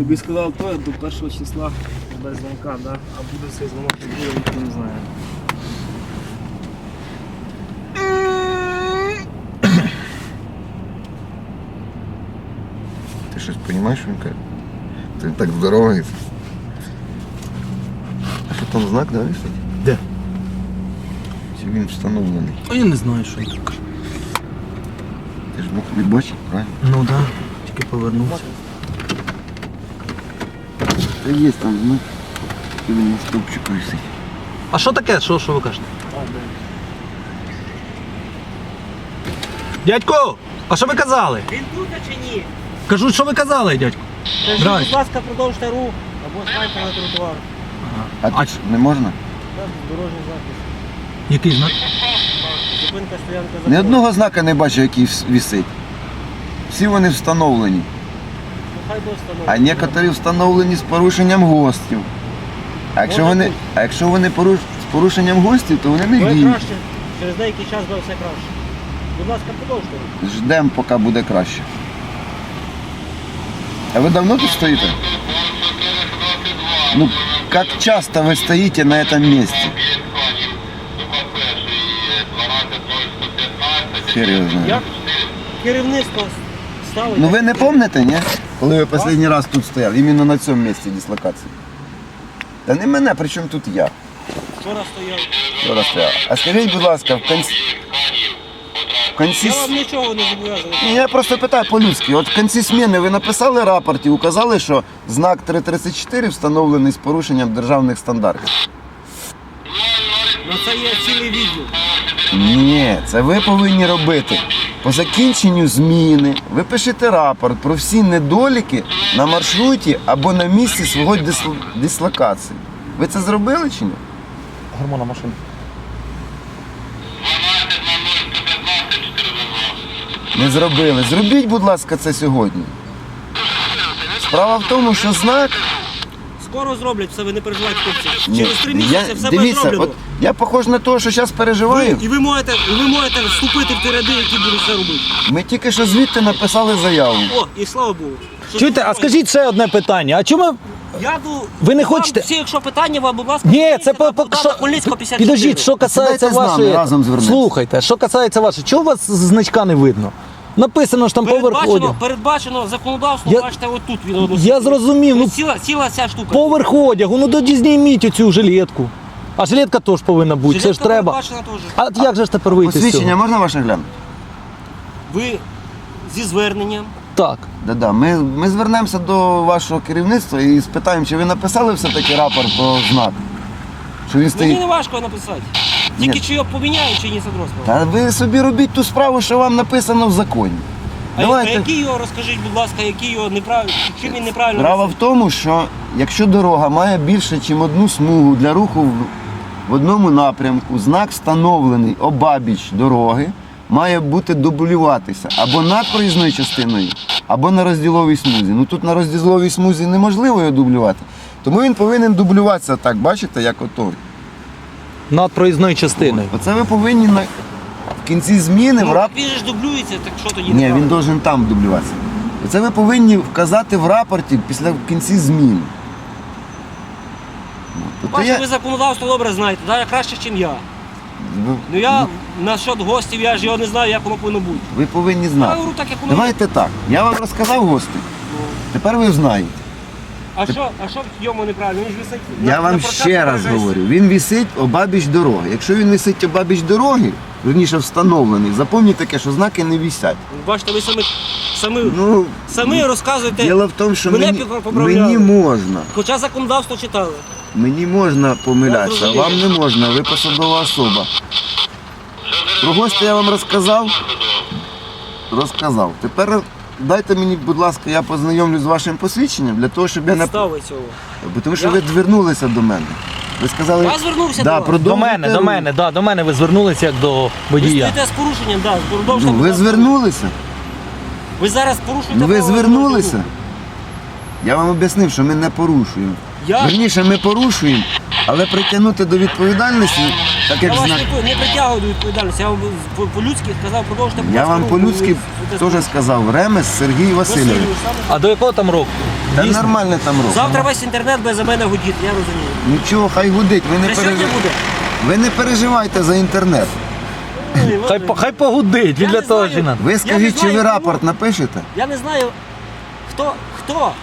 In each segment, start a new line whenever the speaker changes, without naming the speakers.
Тобі сказав то, до 1 числа без дзвонка, да? А буде цей дзвонок, не буде, ніхто не знає.
Ти щось розумієш, він каже? Ти так здоровається. А що там знак, да, висить?
Де?
Чи він встановлений?
А я не знаю, що він так.
Ти ж мог відбачити, правильно?
Ну так, да. Тільки повернувся.
Та є там знак. Він на стовпчику висить.
А що таке? Що ви кажете? Дядько, а що ви казали?
Він тут чи ні?
Кажу, що ви казали, дядько?
Кажіть,
Драй.
будь ласка, продовжте рух або станьте на тротуар.
А тут ж не можна?
Так, дорожній захист.
Який знак?
Зупинка, стоянка,
Ні
закон.
одного знака не бачу, який висить. Всі вони встановлені.
Ну, хай до встановлення.
А некоторі встановлені з порушенням ГОСТів. А якщо вони з порушенням ГОСТів, то вони не
Буде
діють.
краще. Через деякий час буде все краще. Будь ласка, продовжте рух.
Ждемо, поки буде краще. А ви давно тут стоїте? Ну, как часто вы стоите на этом месте? Хер його знає.
Як керівництво ставить?
Ну ви не пам'ятаєте, ні? Коли ви останній раз тут стояв, іменно на цьому місці дислокації. Та не мене, при чому тут я?
Вчора стояв.
Вчора стояв. А скажіть, будь ласка, в кінці...
Я вам нічого не зобов'язаний.
Ні, я просто питаю по-людськи. От в кінці зміни ви написали рапорт і указали, що знак 334 встановлений з порушенням державних стандартів.
Ну це є цілий відділ.
Ні, це ви повинні робити. По закінченню зміни ви пишете рапорт про всі недоліки на маршруті або на місці свого дислокації. Ви це зробили чи ні?
Гормона машини.
Не зробили. Зробіть, будь ласка, це сьогодні. Справа в тому, що знак...
Скоро зроблять все, ви не переживайте, хлопці.
Ні,
Через 3 місяці все буде
дивіться,
зроблено.
от я похож на того, що зараз переживаю.
І ви можете вступити в ті ряди, які будуть це робити.
Ми тільки що звідти написали заяву.
О, і слава Богу. Що
Чуєте, а
спокійно.
скажіть ще одне питання. А чому
Я ду...
Ви не
вам
хочете-
Всі, якщо питання, вам, будь ласка,
ні,
зверніться
це
на
по
Богдана Хмельницького, 54.
підождіть, що касається
Сідайте з нами,
вашої.
разом звернемося.
Слухайте, що касається вашої, чого у вас значка не видно? Написано ж там поверх одягу.
Передбачено законодавством,
Я-
бачите, отут він
Я зрозумів, ну
Ціла ця штука.
поверх одягу, ну тоді зніміть оцю жилетку. А жилетка теж повинна бути, це ж
Жилетка
треба.
передбачена теж.
А як же ж тепер вийти з
Посвідчення
цього?
можна ваше глянути?
Ви зі зверненням.
Так.
Да-да. Ми звернемося до вашого керівництва і спитаємо, чи ви написали все-таки рапорт про знак? Що він
Мені
стоїть.
не важко написати. Тільки
Ні.
чи його поміняють, чи ні, Садросова.
Та ви собі робіть ту справу, що вам написано в законі.
А
Давайте.
який його, розкажіть, будь ласка, який його неправильно, чим він неправильно
Справа в
написаний?
тому, що якщо дорога має більше, ніж одну смугу для руху в одному напрямку, знак встановлений обабіч дороги, має бути дублюватися або над проїзною частиною, або на розділовій смузі. Ну тут на розділовій смузі неможливо його дублювати, тому він повинен дублюватися так, бачите, як ото.
Над проїзною частиною.
Оце ви повинні в кінці зміни в
Ну,
рапорті.
він же ж дублюється, так що тоді
Ні,
неправильно?
він должен там дублюватися. Оце ви повинні вказати в рапорті в кінці зміни. Тобто
Бачите, ви законодавство добре знаєте, навіть краще, ніж я. Ну я насчет гостів, я ж його не знаю, як воно повинно бути.
ви повинні
Я
знати.
говорю так, як воно є.
Давайте так. Я вам розказав гості. Тепер ви знаєте.
А що в йому неправильно? Він ж висить
Я
на
вам
прокат
ще раз
проїжджає.
говорю. Він висить обабіч дороги. Якщо він висить обабіч дороги, верніше встановлений, запам'ятайте таке, що знаки не висять.
Бачите, ви
Ну,
самі розказуєте,
діло в тому, що
мене поправляли.
мені можна.
Хоча законодавство читали.
Мені можна помилятися, а
зрозумів.
вам не можна, ви посадова особа. Про гостя я вам розказав? Розказав. Тепер дайте мені, будь ласка, я познайомлюсь з вашим посвідченням, для того, щоб я не...
Підстави цього.
Бо тому що ви звернулися до мене. Ви сказали...
Я звернувся
да,
до вас.
продовжуйте рух.
До мене ви звернулися як до
Ви
водія.
стоїте з порушенням, так,
Ну,
продовжуйте.
ви звернулися?
Ви зараз порушуєте
Ну, ви
право
звернулися?
дорожнього
Я вам об'яснив, що ми не порушуємо.
Я?
Вірніше, ми порушуємо, але притягнути до відповідальності, так
Я
як
вас
знак...
не притягую до відповідальності, я вам по-людськи сказав, продовжуйте. будь
Я
ласка,
вам
рух,
по-людськи
ви стоїте з
теж сказав. Ремес Сергій Васильович.
Васильович, саме
А до якого там року?
Та
Дійсно.
нормально там рух.
Завтра весь інтернет буде за мене гудіти, я розумію.
Нічого, хай гудить,
Це сьогодні буде.
ви не переживайте за інтернет.
Хай погудить, він
Я
для
не
того
знаю.
ж і надо.
Ви
не
скажіть, чи
знаю,
ви
кому.
рапорт напишете?
Я не знаю, хто.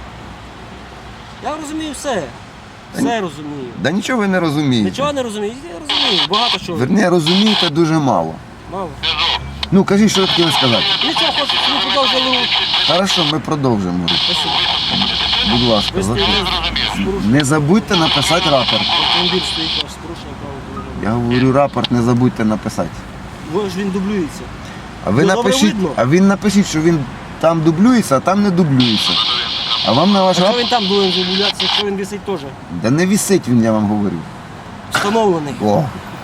Я розумію все. Все розумію.
Да нічого ви не розумієте.
Нічого не розумію. Я розумію. Багато чого.
Верні, розумієте дуже мало.
Мало.
Ну, кажіть, що ви хотіли сказати.
Нічого, хочу, щоб ви продовжили.
Хорошо, ми продовжимо.
Спасибо.
Будь ласка,
Ви стоїте з порушенням.
не забудьте написати рапорт.
Автомобіль стоїть ваш з порушенням правил дорожнього.
Я говорю, рапорт не забудьте написати.
Ви ж він дублюється.
А ви
Ну, добре
напишіть,
видно.
а він напишіть, що він там дублюється, а там не дублюється. А вам на ваш
А що
рапорт.
він там буде дублюватися, якщо він висить теж?
Да не висить він, я вам говорю.
Встановлений.
О,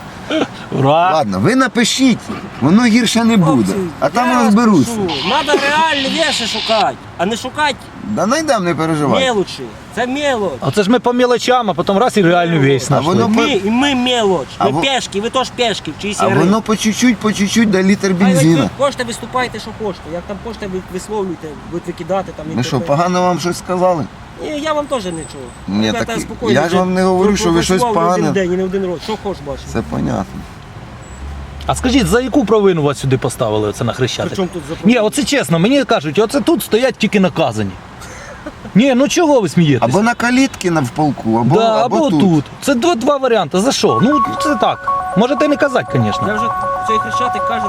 Ура!
ладно, ви напишіть, воно гірше не буде.
Хлопці,
А там
я
розберуться.
вас прошу, Надо реальні речі шукати, а не шукати
Да найдем, не переживайте.
мелочі. Це мелоч.
А це ж ми по мелочам, а потім раз і реальну вещь
А воно
знайшли.
Ми мелоч.
А
Ми
во-
пешки, ви теж пешки в чиїсь
А
гри.
воно по чуть-чуть до літр бензина.
Ви хочете, виступайте, що хочете. Як там хочете, ви висловлюйте, будете викидати там.
Ми що,
інтернет.
погано вам щось сказали?
Ні, я вам теж нічого.
Ні,
Ребята,
так
спокійно,
я ж
вже
вам не говорю, що ви щось
пропрацював не
погане.
один день і не один рік. Що хочеш бачити.
Це понятно.
А скажіть, за яку провину вас сюди поставили оце на Хрещатик?
Причому тут за
Ні, оце чесно, мені кажуть, оце тут стоять тільки наказані. Ні, ну чого ви смієтесь?
Або на калітки в полку, або,
Да,
або
або
тут.
тут. Це два варіанти. За що? Ну, це так. Можете не казати, звісно.
Я вже цей хрещатик каже,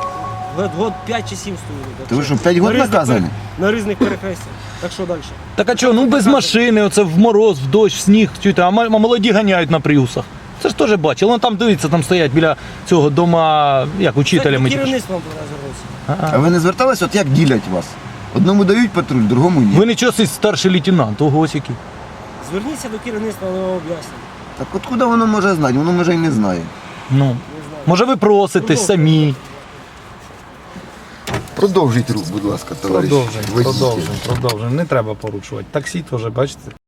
год 5 чи 7 стоїть.
Ти ви що, 5 років наказані?
На різних перехрестях. Так що далі?
Так а чого, ну без машини, оце в мороз, в дощ, в сніг, чуєте, а молоді ганяють на приусах. Це ж теж бачили. Вон там дивіться, там стоять біля цього дома, як учителя.
Це
ми
керівництво вам звернувся.
А ви не звертались, от як ділять вас? Одному дають патруль, другому ні.
Ви нічого, цей старший лейтенант, ого який.
Зверніться до керівництва, воно вам об'яснить.
Так откуда воно може знати? Воно може і не знає.
Ну,
Не знаю.
може ви проситесь самі.
Продовжіть рух, будь ласка, товариш. водій.
Продовжуємо. Не треба порушувати. Таксі теж, бачите.